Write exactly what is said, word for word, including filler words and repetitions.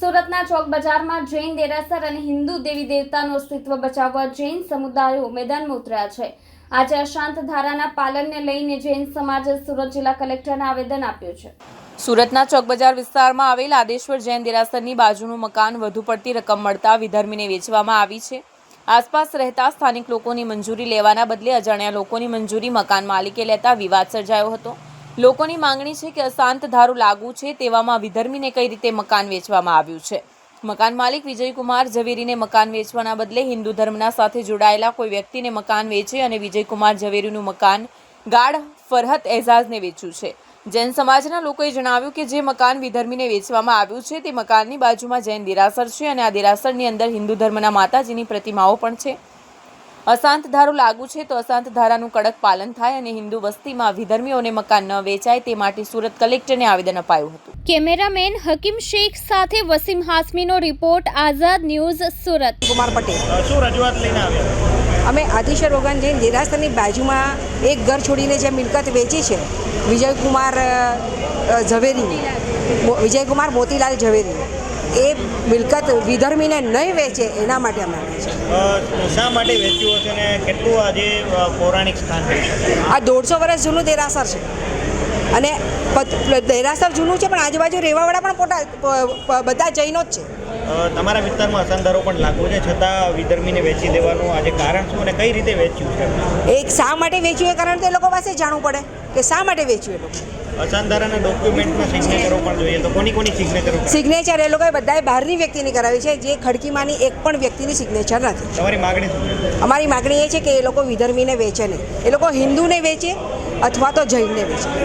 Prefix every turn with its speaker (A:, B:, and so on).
A: સુરતના ચોક બજારમાં જૈન દેરાસર અને હિન્દુ દેવી દેવતાનું અસ્તિત્વ બચાવવા જૈન સમુદાયો મેદાનમાં ઉતર્યા છે। આજે અશાંત ધારાના પાલનને લઈને જૈન સમાજે સુરત જિલ્લા કલેક્ટરને આવેદન આપ્યું છે।
B: સુરતના ચોક બજાર વિસ્તારમાં આવેલ આદેશ્વર જૈન દેરાસરની બાજુનું મકાન વધુ પડતી રકમ મળતા વિધર્મીને વેચવામાં આવી છે। આસપાસ રહેતા સ્થાનિક લોકોની મંજૂરી લેવાના બદલે અજાણ્યા લોકોની મંજૂરી મકાન માલિકે લેતા વિવાદ સર્જાયો હતો। લોકોની માંગણી છે કે અશાંત ધારો લાગુ છે તેવામાં વિધર્મીને કઈ રીતે મકાન વેચવામાં આવ્યું છે। મકાન માલિક વિજયકુમાર ઝવેરીને મકાન વેચવાના બદલે હિન્દુ ધર્મના સાથે જોડાયેલા કોઈ વ્યક્તિને મકાન વેચે અને વિજયકુમાર ઝવેરીનું મકાન ગાઢ ફરહત એઝાઝને વેચ્યું છે। જૈન સમાજના લોકોએ જણાવ્યું કે જે મકાન વિધર્મીને વેચવામાં આવ્યું છે તે મકાનની બાજુમાં જૈન દેરાસર છે અને આ દેરાસરની અંદર હિન્દુ ધર્મના માતાજીની પ્રતિમાઓ પણ છે। અશાંત ધારો લાગુ છે તો અશાંત ધારાનું કડક પાલન થાય અને હિન્દુ વસ્તીમાં વિધર્મીઓને મકાન ન વેચાય તે માટે સુરત કલેક્ટરને આવેદન અપાયું હતું।
A: કેમેરામેન હકીમ શેખ સાથે વસીમ હાસમીનો રિપોર્ટ, આઝાદ ન્યૂઝ, સુરત।
C: કુમાર પટેલ
D: શું રજૂઆત લઈને આવ્યા?
C: અમે આદિશ્વર ભગવાન જૈન દેરાસરની બાજુમાં એક ઘર છોડીને જે મિલકત વેચી છે વિજયકુમાર ઝવેરી વિજયકુમાર મોતીલાલ ઝવેરી એ મિલકત વિધર્મીને નહીં વેચે એના માટે અમે આવ્યા
D: અ, શા માટે વેચ્યું હશે ને કેટલું આજે અ, પૌરાણિક સ્થાન છે?
C: છે। આ દોઢસો વર્ષ જૂનું દેરાસર છે અને પ- દેરાસર જૂનું છે પણ આજુબાજુ રહેવાવાળા પણ પોતા પ- પ- બધા જૈનો જ છે।
D: અ, તમારા વિસ્તારમાં અસાંધારો પણ લાગુ છે છતાં વિધર્મીને વેચી દેવાનું આજે કારણ શું અને કઈ રીતે વેચ્યું છે?
C: એક શા માટે વેચ્યું એ કારણ તો એ લોકો પાસે જાણવું પડે કે શા માટે વેચ્યું એ લોકો।
D: અસાંધારાના ડોક્યુમેન્ટમાં સિગ્નેચરો પણ જોઈએ તો કોની કોની સિગ્નેચરો?
C: સિગ્નેચર એ લોકોએ બધાએ બહારની વ્યક્તિની કરાવી છે, જે ખડકીમાંની એક પણ વ્યક્તિની સિગ્નેચર નથી।
D: તમારી માગણી શું છે?
C: અમારી માગણી એ છે કે એ લોકો વિધર્મીને વેચે નહીં, એ લોકો હિન્દુને વેચે અથવા તો જૈનને વેચે।